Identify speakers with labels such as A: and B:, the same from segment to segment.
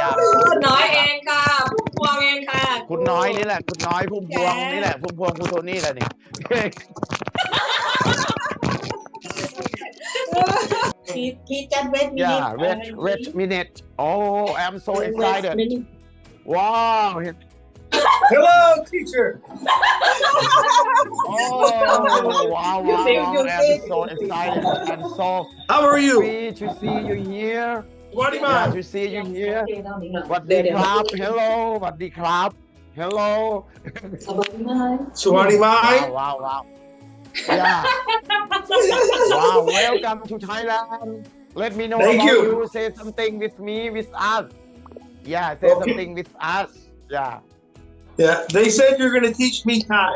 A: คุณน้อยเองค่ะพุ่มพวงเองค่ะ
B: คุณน้อยนี่แหละคุณน้อยพุ่มพวงนี่แหละพุ่มพวงครูโทนี่แหละนี่
C: he just wait minute
B: yeah wait minute oh I'm so excited wow
D: Hello, teacher.
B: oh wow I'm so excited and so
D: How are you?
B: happy to see you here
D: What
B: yeah to see you here สวัสดีครับ hello สวัสดีครับ hello
D: Swati Mai.
B: wow wow yeah wow welcome to Thailand let me know
D: Thank
B: about
D: you.
B: say something with me with us yeah say
D: Okay.
B: something with us yeah
D: Yeah, they said you're going to teach me Thai.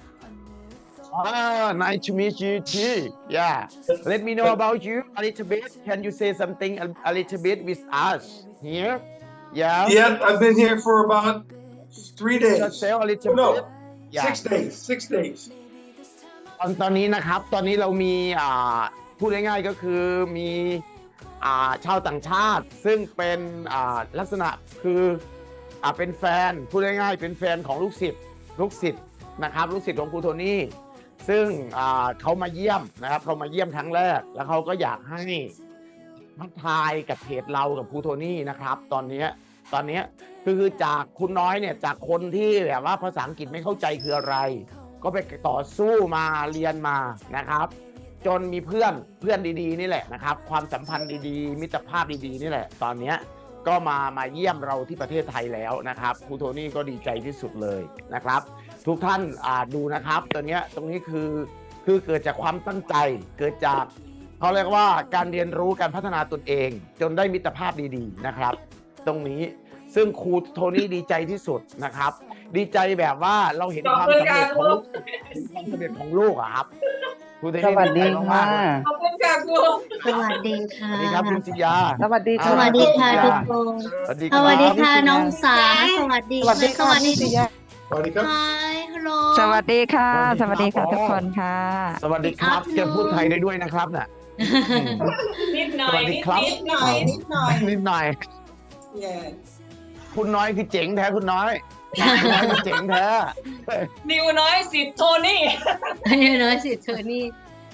B: nice to meet you too yeah let me know about you a little bit can you say something a little bit with us here yeah
D: Yeah, I've been here for about 3 days.
B: just say a little
D: Oh, no.
B: bit yeah
D: 6 days. 6 days.
B: ตอนนี้นะครับตอนนี้เรามีพูดง่ายๆก็คือมีชาวต่างชาติซึ่งเป็นลักษณะคือเป็นแฟนพูดง่ายๆเป็นแฟนของลูกศิษย์นะครับลูกศิษย์ของครูโทนี่ซึ่งเขามาเยี่ยมนะครับเขามาเยี่ยมครั้งแรกแล้วเขาก็อยากให้ทักทายกับเพจเรากับครูโทนี่นะครับตอนนี้คือจากคุณน้อยเนี่ยจากคนที่แบบว่าภาษาอังกฤษไม่เข้าใจคืออะไรก็ไปต่อสู้มาเรียนมานะครับจนมีเพื่อนดีๆนี่แหละนะครับความสัมพันธ์ดีๆมิตรภาพดีๆนี่แหละตอนนี้ก็มาเยี่ยมเราที่ประเทศไทยแล้วนะครับครูโทนี่ก็ดีใจที่สุดเลยนะครับทุกท่านดูนะครับตรงนี้คือเกิดจากความตั้งใจเกิดจากเขาเรียกว่าการเรียนรู้การพัฒนาตนเองจนได้มิตรภาพดีๆนะครับตรงนี้ซึ่งครูโทนี่ดีใจที่สุดนะครับดีใจแบบว่าเราเห็นความสำเร็จของลูกครับครูโทนี่
E: สวัสดีค่ะ
A: ขอบคุณค่ะครู
F: สวัสดีค่ะ
B: สวัสดีครับคุณสิยา
E: สวัสดี
F: ส
E: ค่ะ
F: วัสดีค่ะทุกคน
B: สวัสดี
F: สวัสดี
B: ครั
F: ค่ะ
B: บ
F: น้องสาสวัสดี
E: สวัสดีค่ะพี่ปิยะ
D: Swati Cup.
F: Hi hello
G: สวัสดีค่ะ
B: ส
G: ส
B: วั
G: วั
B: ส
G: ส
B: ดี
G: ดี
B: ครั
G: ค่ะ
B: บ
G: ทุกคนค่ะ
B: สวัสดีครับจะพูดไทยได้ด้วยนะครับน่ะ
A: นิดหน่
B: ส
A: อย
B: วัสดีครับ
A: นิดหน่อยนิดหน่อย
B: นิดหน่อย
C: yeah
B: คุณน้อยคือเจ๋งแท้คุณน้อยคุณน้อยคือเจ๋งแท้
A: นิวน้อยสิทธิ์โทนี่
F: นี่น้อยสิเธอนี่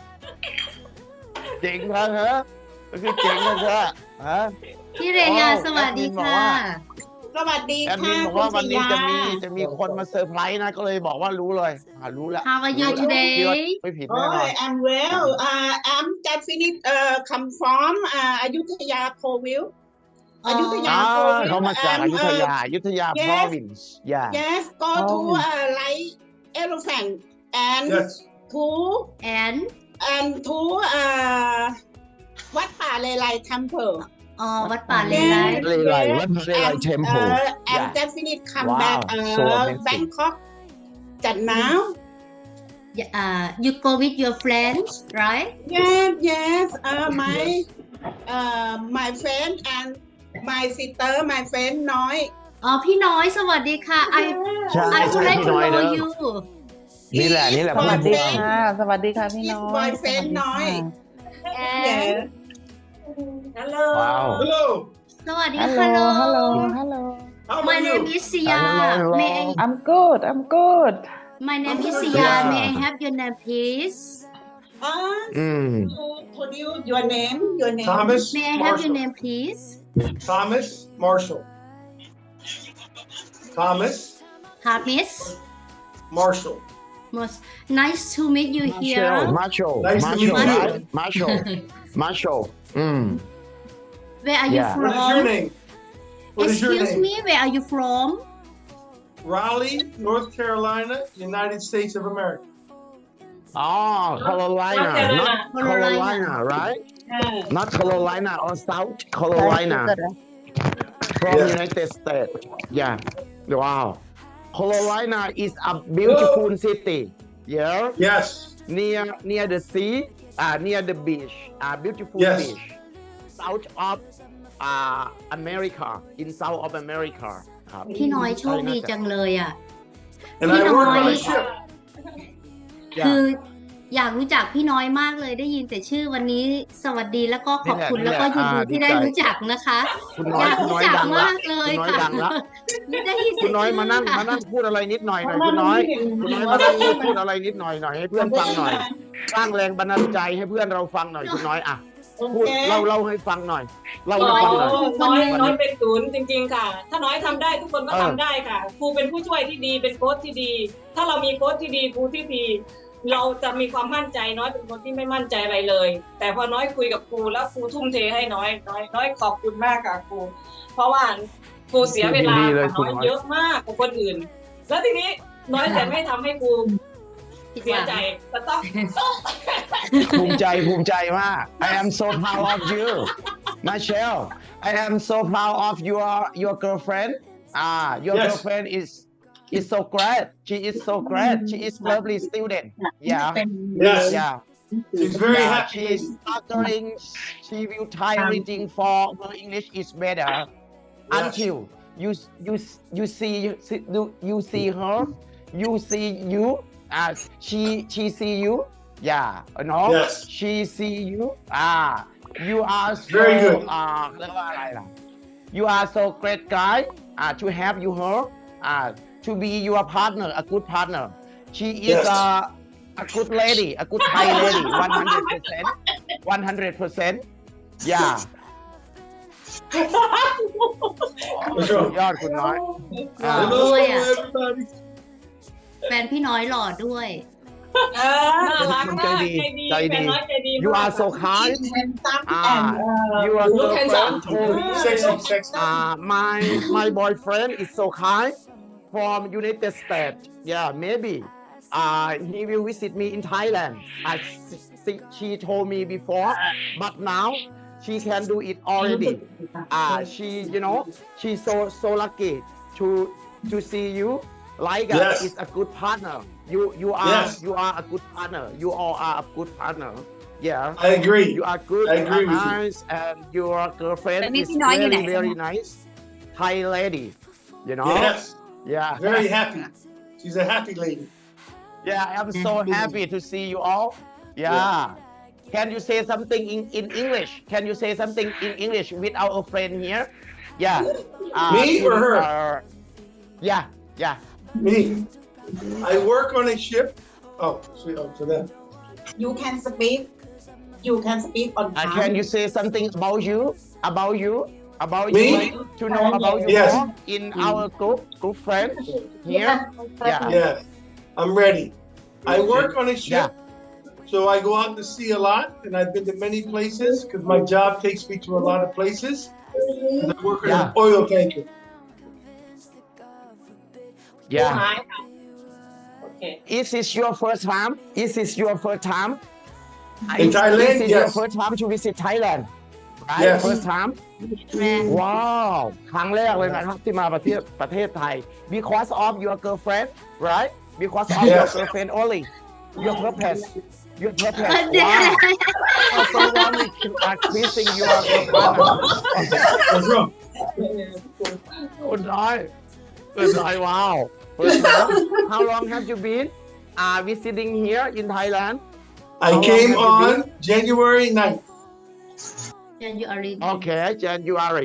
B: เจ๋งแท้ฮะก็คือเจ๋งแท้ฮะ
F: พี่เรยาสวัสดีค่ะ
C: สวัสดี
B: แอดมิ
C: ค่ะ
B: นบอกว่าวันนี้จะมี
C: คุณ
B: คนมาเซอร์ไพรส์นะก็เลยบอกว่ารู้เลยรู้แล้ว
F: How are you
B: คิดว่า
F: today
B: ไม่ผิด
C: โอ้
B: แน่นอน
C: ย I'm well I'm just finished come from อยุธยาโควิลอยุธยาโควิล
B: เขามาจากอยุธยา
C: yes
B: province yeah
C: yes go to like elephant and
D: Yes.
C: to
F: and
C: to วัดป่าเลไล temple
F: อ๋อวัดป่าเลไล
B: เลไลวัดเลไล temple
C: and
B: yeah
C: just finished come
B: Wow,
C: back
B: so amazing.
C: Bangkok จัดหนาว
F: you go with your friends right
C: yes my friend and my sister my friend น้อย
F: อ๋อพี่น้อยสวัสดีค่ะ
B: ใช่
F: I would like
B: พี่
F: to
B: น้อยเน
F: know
B: อะ
F: you
B: นี่แหละ
E: สวัสดี
C: boyfriend
E: ค่ะ สวัสดีค่ะพี่น้อย
C: boyfriend น้อย
F: and
A: ฮัลโหล
B: ว้าว
D: Hello.
F: สวัสดี
E: ฮัลโหล
F: ค่ะ
E: ฮัลโหล ฮัลโหล
D: How
F: My
D: are
F: name
D: you?
F: is Sia
B: Hello.
F: May I
E: I'm good I'm good
F: My name is
D: Yeah.
F: Sia May I have your name please
B: อืม
C: Could you your name
D: Thomas
F: May I have your
D: Marshall.
F: name please
D: Thomas Marshall. Thomas
F: Hamis
D: Marshall.
F: Most nice to meet you
B: Marshall
F: here
B: Marshall
D: Nice to meet
B: Marshall
D: you.
B: right Marshall อืม
F: Where are you
B: Yeah.
D: What is your
F: from
D: name? What is your
F: Excuse
D: name?
F: me where are you from
D: Raleigh, North Carolina, United States of America.
B: Carolina not Carolina right not Carolina or South Carolina from
D: Yeah.
B: United States yeah wow Carolina is a beautiful city yeah
D: Yes.
B: near the sea near the beach beautiful
D: Yes.
B: beach south of America in South of America ครับ
F: พี่น้อยโชคดีจังเลยอ่ะ
D: And
F: You
D: I
F: know
D: work on
F: why?
D: a ship.
F: คืออยากรู้จักพี่น้อยมากเลยได้ยินแต่ชื่อวันนี้สวัสดีแล้วก็ขอบคุณ
B: นี่
F: แล้ว
B: แหละ
F: ก็ยินดี
B: ดี
F: ที่
B: ใจ
F: ได้รู้จักนะคะ
B: คุณน้
F: อ
B: อย
F: ยาก
B: คุณน้
F: รู้
B: อย
F: จัก
B: ดังละ
F: มากเลย
B: คุณน้อย
F: ค่ะ
B: ดังละ
F: ไม่ได้ยินแต่
B: คุณน้อย
F: ชื่
B: มานั่ง
F: ค่ะ
B: มานั่งพูดอะไรนิดหน่อยคุณน้อยคุณน้อยมานั่งพูดอะไรนิดหน่อยให้เพื่อนฟังหน่อยสร้างแรงบันดาลใจให้เพื่อนเราฟังหน่อยคุณน้อยอ่ะ
C: โอ
B: พูด
C: เค
B: เล่าให้ฟังหน่อยเล่า
A: โอ้
B: ให้ฟังหน่อย
A: น้อยเป็นศูนย์จริงๆค่ะ ถ้าน้อยทำได้ทุกคนก็ทำได้ค่ะ ครูเป็นผู้ช่วยที่ดีเป็นโค้ชที่ดี ถ้าเรามีโค้ชที่ดีครูที่ดี เราจะมีความมั่นใจน้อยเป็นคนที่ไม่มั่นใจอะไรเลย แต่พอน้อยคุยกับครูแล้วครูทุ่มเทให้น้อยขอบคุณมากค่ะครู เพราะว่าครูเสียเวลา
B: ดีเลย
A: กับน้อย
B: ครูน้อย
A: เยอะมากกว่าคนอื่น แล้วทีนี้น้อยแต่ไม่ทำให้ครูเสียใจแต่ต้อง
B: ภูมิใจมาก I am so proud of you Michelle I am so proud of your girlfriend your
D: Yes.
B: girlfriend is so great she is so great she is lovely student yeah
D: Yes.
B: yeah
D: She's very
B: yeah,
D: happy.
B: she is stuttering she will try everything for her English is better until you see her you see you she see you yeah no
D: Yes.
B: she see you you are so
D: Very good.
B: เรียกว่าอะไรล่ะ you are so great guy to have you her to be your partner a good partner she is
D: Yes.
B: a good lady a good Thai lady 100% yeah
D: For sure.
B: ยอดคุณน้อย
F: หล่อ
D: Hello,
F: ด้วยอ่ะ
D: everybody.
F: แฟนพี่น้อยหล่อด้วย
A: น่ารักมากใจดีเป็นน้อยใจดี
B: you are so kind you are
A: Look
B: so
A: handsome.
D: Sexy.
B: my boyfriend is so kind from United States yeah maybe he will visit me in Thailand she told me before but now she can do it already she she's so lucky to see you like
D: Yes.
B: is a good partner you
D: Yes.
B: are a good partner you all are a good partner yeah
D: I agree.
B: you are good
D: I
B: you
D: agree
B: are
D: with you.
B: nice and your girlfriend
G: แล้วนี่
B: is
G: พี่น้อยอยู่ไหน
B: very nice Thai lady you know
D: Yes.
B: yeah
D: Very happy. She's a happy lady.
B: yeah I'm so happy to see you all yeah can you say something in English can you say something in English with our friend here yeah
D: Me or her?
B: yeah
D: Me. I work on a ship. Oh, sweet. Oh, so then.
C: you can speak on time
B: can you say something about you
D: Me?
B: to know about you
D: Yes.
B: more in our group friends here yeah
D: Yeah, I'm ready. I work on a ship, so I go out to sea a lot, and I've been to many places because my job takes me to a lot of places. And I work on an oil tanker.
B: yeah
A: หายค่ะโอเค
B: Is this your first time? Is this your first time?
D: In Thailand,
B: Is this your
D: yes.
B: first time to visit Thailand? Right?
D: Yes.
B: First time? ว้าวครั้งแรกเลยนะครับที่มาประเทศไทย Because of your girlfriend, right? Because of your
D: Yes.
B: girlfriend only. Your purpose. Your purpose.
F: เดี๋ยว
B: Wow. I so wanted to increasing your partner.
D: What's wrong?
B: คุณน้อยว้าว First time. How long have you been visiting here in Thailand?
D: I
B: How
D: came
B: long have you
D: on January 9th.
F: January
B: Okay, January.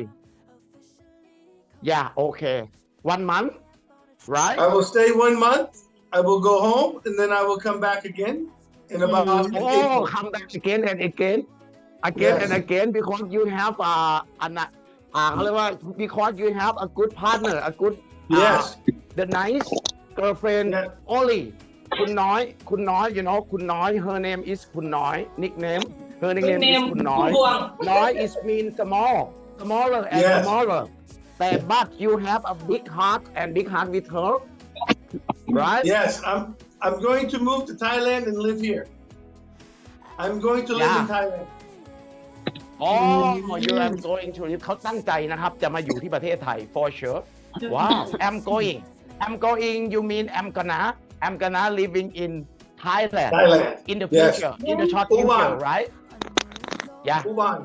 B: Yeah, okay. 1 month, right?
D: I will stay 1 month. I will go home, and then I will come back again in about
B: Oh,
D: April.
B: come back again and again
D: Yes.
B: and again because you haveเขาเรียกว่า because you have a good partner, a good
D: Yes.
B: the nice girlfriend
D: Yeah.
B: only. คุณน้อย คุณน้อย her name is คุณน้อย nickname her nickname is คุณน้อย
A: พวง
B: น้อย is mean smaller and
D: Yes.
B: smaller. But you have a big heart and big heart with her, right?
D: Yes, I'm going to move to Thailand and live here. I'm going to live in
B: Yeah.
D: Thailand.
B: Oh, you are going to เขาตั้งใจนะครับ จะมาอยู่ที่ประเทศไทย for sure. Wow, I'm going. You mean I'm gonna living in Thailand
D: Thailand.
B: in the
D: Yes.
B: future, in the short future,
D: Uban.
B: right? Yeah,
D: Uban.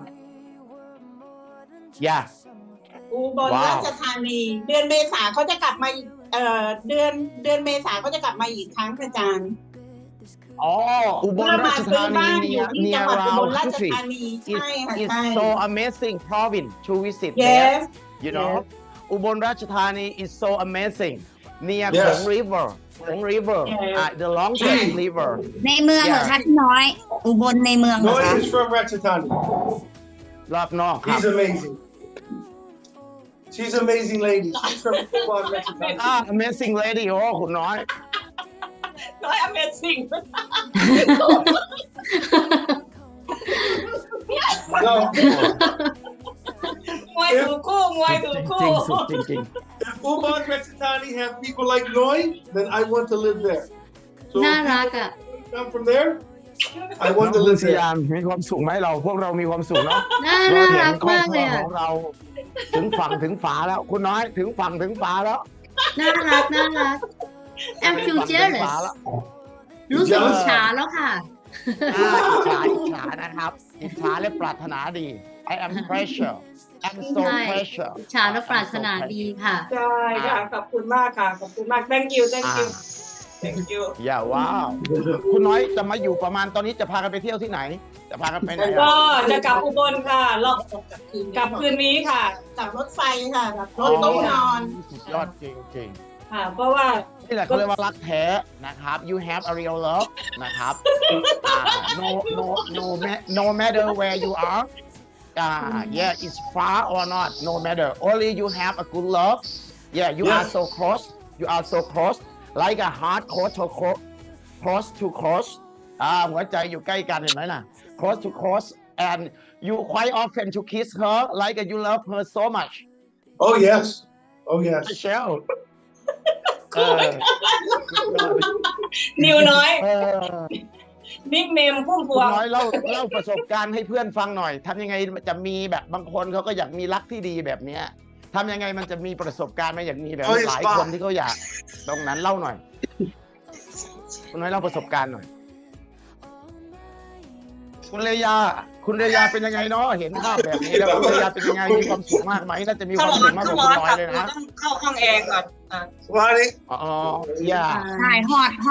B: yeah.
C: อุบล
B: ว้าว
C: ราชธานีเดือนเมษาเขาจะกลับมาเดือนเมษาเขาจะกลับมาอีกครั้งค่ะอาจารย์
B: อ๋ออุบล
C: เพื่อ
B: รา
C: มา
B: ช
C: ซื้อ
B: ธานี
C: บ้านอยู่ที่
B: near
C: จังหวัดอุบล
B: around
C: ราช
B: country
C: ธานีใช่ค่ะ
B: it's
C: ใช่
B: so amazing province to visit there
C: yes
B: you know
C: Yes.
B: อุบลราชธานี is so amazing near
D: Yes.
B: โขง river โขง river
A: Yes.
B: the longest river
G: ในเมืองเหรอคะพี่น้อย อุบลในเมืองเหรอ
D: Noy
G: คะ
D: is from Ratchathani.
B: รอบนอกครับ
D: He's amazing. She's an amazing lady. She's from Ubon, Ratchathani.
B: amazing lady โอ้คุณน้อย
A: น้อย Amazing
D: No,
A: มวยถูกคู่มวยถูก
B: จ
A: คู่
B: ริงๆสุดจริง
D: if Ubon, Ratchathani have people like Noy, then I want to live there. So
F: น่า
D: if
F: รักอ่ะ
D: people come from there, I
B: ๆ
D: want to
B: คุณ
D: live
B: ส
D: there.
B: ยามมีความสุขไหมเราพวกเรามีความสุขเนาะ
F: น่า
B: เรา
F: น่า
B: เห็
F: รั
B: น
F: ก
B: ครอบ
F: มาก
B: ค
F: เล
B: รัวย
F: อ่ะ
B: ของเรา ถึงฝั่งถึงฝาแล้ว คุณน้อยถึงฝั่งถึงฝาแล้ว
F: น่ารักน่ารัก I'm feel
B: ถึง
F: jealous
B: ฝาแล้ว
F: รู้สึกอิจฉาแล้วค่ะ
B: อิจฉานะครับอิจฉาและปรารถนาดี I am pressure I'm so
F: ใช่
B: pressure
F: อิจฉาและปรารถนาดีค่ะ
A: ใช่ค่ะขอบคุณมากค่ะขอบคุณมาก thank you thank you thank you
B: อย่าว้าวคุณน้อยจะมาอยู่ประมาณตอนนี้จะพากันไปเที่ยวที่ไหน จะพากันไปไหน
A: ก็
B: อ่ะ
A: จะกลับอุบลค่ะเรากลับคืนนี้ค่ะ
C: กับรถไฟค่ะกับรถตู้นอน
B: สุดยอดจริง
A: ค่ะ เพราะว่า
B: ๆนี่แหละเขาเรียกว่ารักแท้นะครับ you have a real love นะครับno matter where you are yeah it's far or not no matter only you have a good love yeah you are
D: Yes.
B: so close you are so close like a heart close to close หัวใจอยู่ใกล้กันเห็นไหมล่ะ close to close and you quite often to kiss her like you love her so much
D: Oh, yes. Oh, yes.
B: Michelle
A: นิวน้อย
B: เออ
A: นิกเนมพุ่มพ
B: คุ
A: ว
B: ณ
A: ง
B: น้อยเล่าประสบการณ์ให้เพื่อนฟังหน่อยทำยังไงจะมีแบบบางคนเขาก็อยากมีรักที่ดีแบบเนี้ยทำยังไงมันจะมีประสบการณ์มาอย่างนี้แบบนี้หลายคนที่เขาอยากตรงนั้นเล่าหน่อย คุณน้อยเล่าประสบการณ์หน่อย คุณเลยาเป็นยังไงเนาะเห็นภาพแบบนี้แล้วคุณเลยาเป็นยังไงมีความสุขมากไหมน่าจะมีความสุขมากกว่าคุณน้อยเลยนะ
A: ต้องเข้าห้องแอร์ก่อน
D: Swati,
B: อ๋ออย่า
G: ใช่ฮอด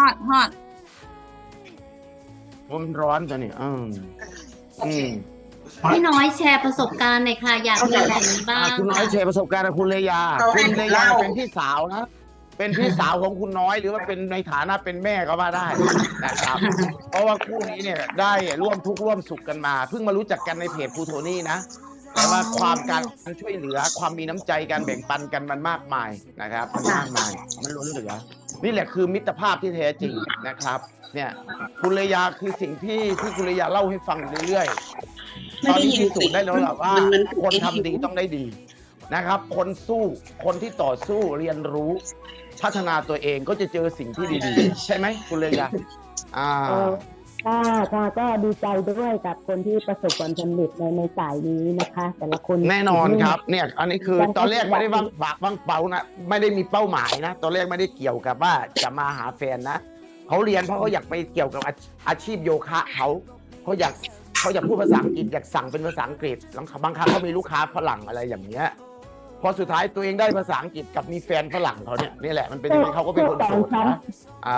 B: ผมร้อนจังนี่อืม
F: พี่น้อยแชร์ประสบการณ์หน่อยค่ะ อยากมีแบบนี้บ้าง
B: คุณน้อยแชร์ประสบการณ์กับคุณเลยาคุณเลยาเป็นพี่สาวนะ เป็นพี่สาวของคุณน้อยหรือว่าเป็นในฐานะเป็นแม่ก็ว่าได้นะครับ เพราะว่าคู่นี้เนี่ยได้ร่วมทุกข์ร่วมสุขกันมา เพิ่งมารู้จักกันในเพจครูโทนี่นะ แต่ว่าความการช่วยเหลือความมีน้ำใจการแบ่งปันกันมันมากมายนะครับมันมากมายมันล้นเหลือนี่แหละคือมิตรภาพที่แท้จริงนะครับ เนี่ยคุณเลยาคือสิ่งที่คุณเลยาเล่าให้ฟังอยู่เรื่อยๆตอนนี้พิสูจน์ได้แล้วแหละว่าคนทำดีต้องได้ดีนะครับ คนสู้คนที่ต่อสู้เรียนรู้พัฒนาตัวเองก็จะเจอสิ่งที่ดีๆใช่ไหมคุณเลยา
E: ค่ะก็ดีใจด้วยกับคนที่ประสบความสำเร็จในสายนี้นะคะ แต่ละคน
B: แน่นอนครับเนี่ยอันนี้คือตอนแรกไม่ได้วางฝากวางเป้านะไม่ได้มีเป้าหมายนะตอนแรกไม่ได้เกี่ยวกับว่าจะมาหาแฟนนะเขาเรียนเพราะเขาอยากไปเกี่ยวกับอาชีพโยคะเขาอยากพูดภาษาอังกฤษอยากสั่งเป็นภาษาอังกฤษบางครั้งเขามีลูกค้าฝรั่งอะไรอย่างเงี้ยพอสุดท้ายตัวเองได้ภาษาอังกฤษกับมีแฟนฝรั่งเขาเนี่ยนี่แหละมันเป็นยังไงเขาก็เป็นคนโสดนะ